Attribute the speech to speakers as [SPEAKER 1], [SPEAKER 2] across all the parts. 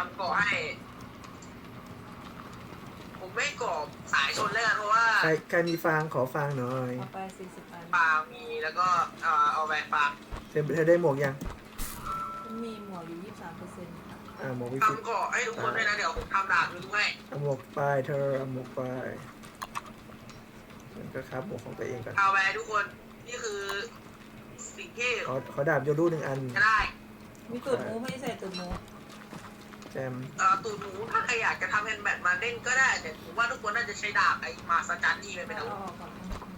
[SPEAKER 1] ำเกาะให้ผมไม่กรอบสายชนเลยกันเพราะว่า
[SPEAKER 2] ใครมีฟางขอฟางหน่อย
[SPEAKER 3] เอาไป40 อัน
[SPEAKER 1] ฟางมีแล้วก็เอาแหวนฟาง
[SPEAKER 2] เธอได้หมวกยัง
[SPEAKER 3] มันมีหมวกอยู่ 23%ค่ะ
[SPEAKER 2] หมวกวิสิต
[SPEAKER 1] ทำเกาะให้ทุกคนด้วยนะเดี๋ยวผมทำดาบด้วย
[SPEAKER 2] เอาหมวกไปเธอเอาหมวกไปมันก็ครับหมวกของตัวเองก่อน
[SPEAKER 1] เอาแหวนทุกคนนี่คือสิ่งที่
[SPEAKER 2] ขอดาบโยรู1 อัน
[SPEAKER 1] จะได้
[SPEAKER 3] มีตูดหมูไม่ได้ใส่ตูดหมู
[SPEAKER 2] แจม
[SPEAKER 1] ตูดหมูถ้าใครอยากจะทำแฮนด์แบทมาเล่นก็ได้แต่ผมว่าทุกคนน่าจะใช้ดาบไอ้มาสจันนี่เป็น
[SPEAKER 3] เอา
[SPEAKER 1] อาวุธ
[SPEAKER 3] ออกก่อน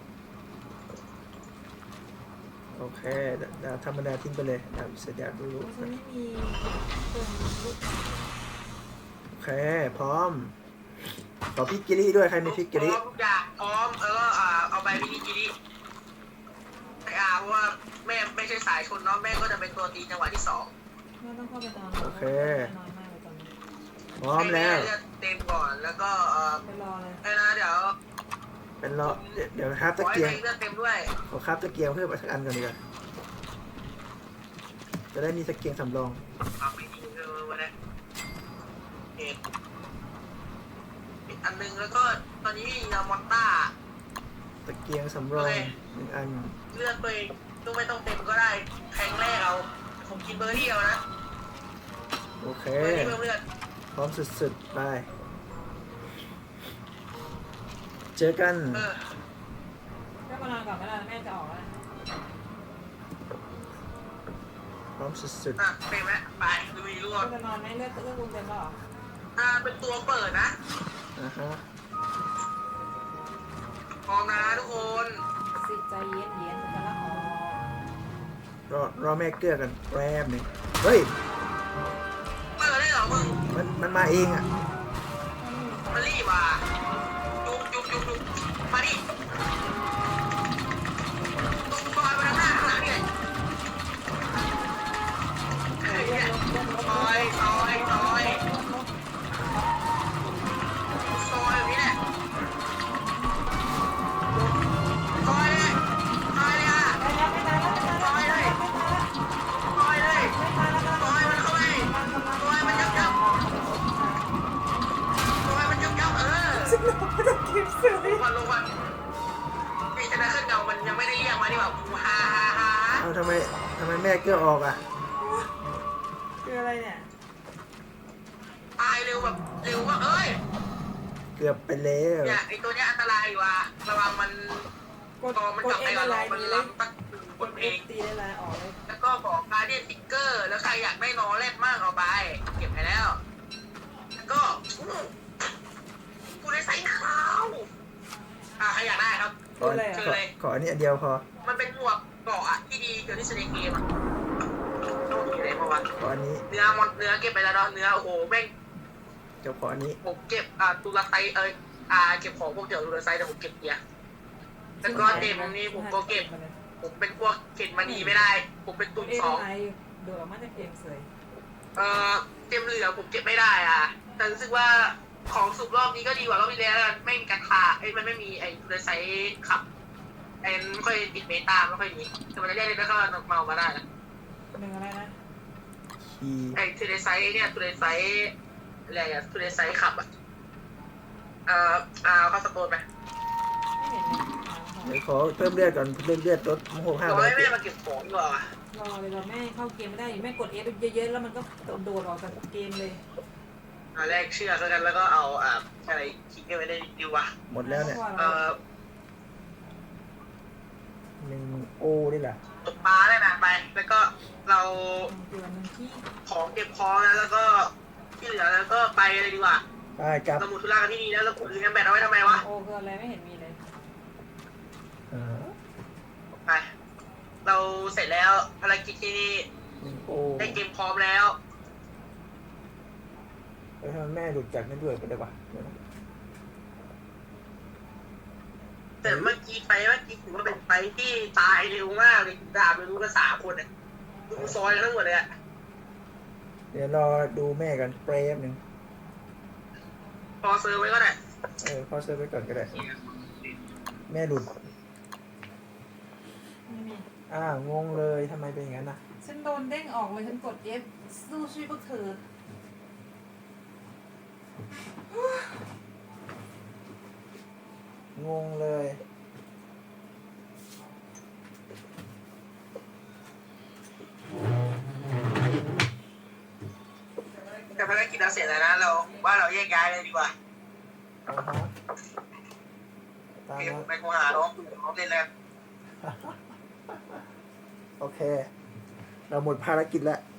[SPEAKER 2] โอเคดาบธรรมดาทิ้งไปเลยดาบเสียดาบโยรู
[SPEAKER 3] ฉันไม่มีตัวลูก
[SPEAKER 2] โอเคพร้อมขอพริกกิริด้วยใครมีพริกกิริ
[SPEAKER 1] พร้อมทุกอย่างพร้อมแล้วก็เอาไปวินิจิริเพราะว่าแม่ไม่ใช่สายชนเนาะแม่ก็จะเป็นตัวตีจังหวะที่2
[SPEAKER 3] แม่ต้องเข้าไปนอน
[SPEAKER 2] โอเค
[SPEAKER 3] น้อยมากเลยตอนนี้
[SPEAKER 2] พร้อมแล้ว
[SPEAKER 1] ให้เลือดเต็มก่อนแล้วก็
[SPEAKER 3] ไปรอเลย
[SPEAKER 1] นะเดี๋ยว
[SPEAKER 2] เป็นรอเดี๋ยวครับ
[SPEAKER 1] ข
[SPEAKER 2] ตะ
[SPEAKER 1] อให้
[SPEAKER 2] เกียง
[SPEAKER 1] เลือดเต็มด้วย
[SPEAKER 2] ขอครับตะเกียงเพิ่มสักอันก่อนดีกว่าจะได้มีตะเกียงสำรอง
[SPEAKER 1] เอาไปยิงวันนี้อีกอันนึงแล้วก็ตอนนี้มีมอนต้า
[SPEAKER 2] ตะเกียงสำรอง1 อัน
[SPEAKER 1] เลือดตัวเองต้องไม่ต้องเต็มก็ได้แทงแรกเอาผมกินเบอร์รี่เอานะ
[SPEAKER 2] โอเค
[SPEAKER 1] เบอร์รี่เพิ่มเลือด
[SPEAKER 2] พร้อมสุดๆไปเจอกัน
[SPEAKER 3] ก็มานอนก่อนก็ได้แม่จะออกแล้ว
[SPEAKER 2] พร้อมสุด
[SPEAKER 1] เต็มไหมไปลุยรว
[SPEAKER 3] ก็
[SPEAKER 1] ม
[SPEAKER 3] จะนอนไหมเลือดลุงเต็มแล้วเหรอ
[SPEAKER 1] เป็นตัวเปิดนะ
[SPEAKER 2] ๆฮะ
[SPEAKER 1] พร้อมนะทุกคน
[SPEAKER 3] สิใจเย็นเย็นจะละออก
[SPEAKER 2] รอแม่เกลือกันแป๊บหนึ่งเฮ้ย
[SPEAKER 1] เปิดได้เหรอมึง
[SPEAKER 2] มันมาเองอ่ะ
[SPEAKER 1] มารีบว่ะจุกมาดิตุ้มบอยมาทางหน้าข้างหลังนี่เลยเฮ้ยเนี่ยซอยแบบนี้แหละซอยเลยอ่ะ
[SPEAKER 3] ไปแล้วไปตายแล้วไปตายแล้ว
[SPEAKER 1] ซอยเลยซอยมันเข้าไปซอยมันยับ
[SPEAKER 3] ฉันรอจะเก็บเสื้อ
[SPEAKER 1] ลงวันพี่ชนะขึ้นเงามันยังไม่ได้เรียกมาดีกว่าฮ่า
[SPEAKER 2] เอาทำไมแม่เกลือออกอ่ะ
[SPEAKER 3] คืออะไรเนี่ย
[SPEAKER 1] ตายเร็วแบบเร็วว่าเอ้ย
[SPEAKER 2] เกือบไปแล้ว
[SPEAKER 1] เนี่ยไอตัวเนี้ยอันตรายว่ะระวังมัน
[SPEAKER 3] กด
[SPEAKER 1] ตอมัน
[SPEAKER 3] ก
[SPEAKER 1] ก
[SPEAKER 3] ด
[SPEAKER 1] ลับ
[SPEAKER 3] เอ็
[SPEAKER 1] ไป
[SPEAKER 3] น
[SPEAKER 1] กับ
[SPEAKER 3] อะไร
[SPEAKER 1] เรามัน
[SPEAKER 3] ดีเลย
[SPEAKER 1] ล้ำตั้งกดเอง
[SPEAKER 3] ตีได้ไรออกเลย
[SPEAKER 1] แล้วก็บอกการเดียนติ๊กเกอร์แล้วใครอยากได้นอแรดมากเอาไปเก็บไปแล้วแล้วก็กูได้ใส่ขาวใครอยากได้ครับ
[SPEAKER 2] ขออันนี้อันเดียวพอ
[SPEAKER 1] มันเป็นหมวกเกาะอะที่ดีเกินที่สุดในเกมอะต้องมีอะไรมาวะ
[SPEAKER 2] ขออันนี้
[SPEAKER 1] เนื้อเก็บไปแล้วเนาะเนื้อโอ้โหแม่ง
[SPEAKER 2] เจ้าขออันนี้
[SPEAKER 1] ผมเก็บตุลาไซเก็บของพวกเกี่ยวกับตุลาไซแต่ผมเก็บเกียร์แล้วก็เต็มนี้ผมก็เก็บผมเป็นพวกเก็บมานีไม่ได้ ผมเป็น
[SPEAKER 3] ก
[SPEAKER 1] ตุ
[SPEAKER 3] ด
[SPEAKER 1] น
[SPEAKER 3] เอ็น
[SPEAKER 1] สอง
[SPEAKER 3] อะไรโดดออกมาจากเกมเสย
[SPEAKER 1] เต็มเหลือผมเก็บไม่ได้แต่รู้สึกว่าของสุกรอบนี้ก็ดีกว่ารอบที่แล้วไม่มีการคามันไม่มีไอ้ตุลาไซขับไม่ค่อยติดเมตาไม่ค่อยดีแต่มันจะเรียกได้ก็เมามาได้นะ
[SPEAKER 3] หนึ่งอะไรนะ
[SPEAKER 2] คีย์
[SPEAKER 1] ไอ้ตุลาไซเนี่ยตุลาไซอะไรอะตุลาไซขับเข้าสโตนไป
[SPEAKER 3] ไม่เห็นเลย
[SPEAKER 2] เดี๋ยวขอเพิ่มเลือดก่อนเพิ่มเลือดลด65
[SPEAKER 1] บอกให้แม่มาเก็บของดีกว่าร
[SPEAKER 3] อเลยรอแม่เข้าเกมไม่ได้อยู่แม่กดเอฟเยอะๆแล้วมันก็โดดออกจากเกมเลย
[SPEAKER 1] แรกเชือกกันแล้วก็เอาอะไรคิดกันไว้ได้ดีวะ
[SPEAKER 2] หมดแล้วเนี่ย 1 โอนี่แหละ
[SPEAKER 1] ตกปลาได้นะไป แล้วก็เรา
[SPEAKER 3] เดือนนึงที่
[SPEAKER 1] ของเก็บของแล้วก็ที่เหลือแล้วก็ไปเลยดีกว่า
[SPEAKER 2] ไปกลับ
[SPEAKER 1] เราหมุดธุระกันที่นี่แล้วเราขุดลืมแบตเอาไว้ทำไมวะ
[SPEAKER 3] โอคืออะไรไม่เห็นมีเลย
[SPEAKER 1] ไป เราเสร็จแล้วภารกิจที่นี่
[SPEAKER 2] 1 โอ
[SPEAKER 1] ได้เกมพร้อมแล้ว
[SPEAKER 2] แล้วทำไมแม่หลุดจากนั่นด้วยไปได้ปะ
[SPEAKER 1] แต่เมื่อกี้ถือว่าเป็นไปที่ตายเร็วมากเลยดาบไม่รู้กัน3 คนเนี่ยดูซอยทั้งหมดเลยอะ
[SPEAKER 2] เดี๋ยวรอดูแม่กันแป๊บหนึ่ง
[SPEAKER 1] พอเซอร์ไว้ก็ได้
[SPEAKER 2] พอเซอร์ไว้ก่อนก็ได้ แม่หลุด
[SPEAKER 3] ไม่มี
[SPEAKER 2] งงเลยทำไมเป็นอย่างนั้นนะ
[SPEAKER 3] ฉันโดนเด้งออกเลยฉันกด F สู้ชีวิตพวกเธอ
[SPEAKER 2] งงเลย
[SPEAKER 1] แต่ภารกิจเราเสร็จแล้วนะเราว่าเราแยกย้ายเลยดีกว่า
[SPEAKER 2] อ่าฮะตาม
[SPEAKER 1] เกม
[SPEAKER 2] นั้น
[SPEAKER 1] ไปกูหาน้องเล่นแล้ว
[SPEAKER 2] โอเค เราหมดภารกิจแล้ว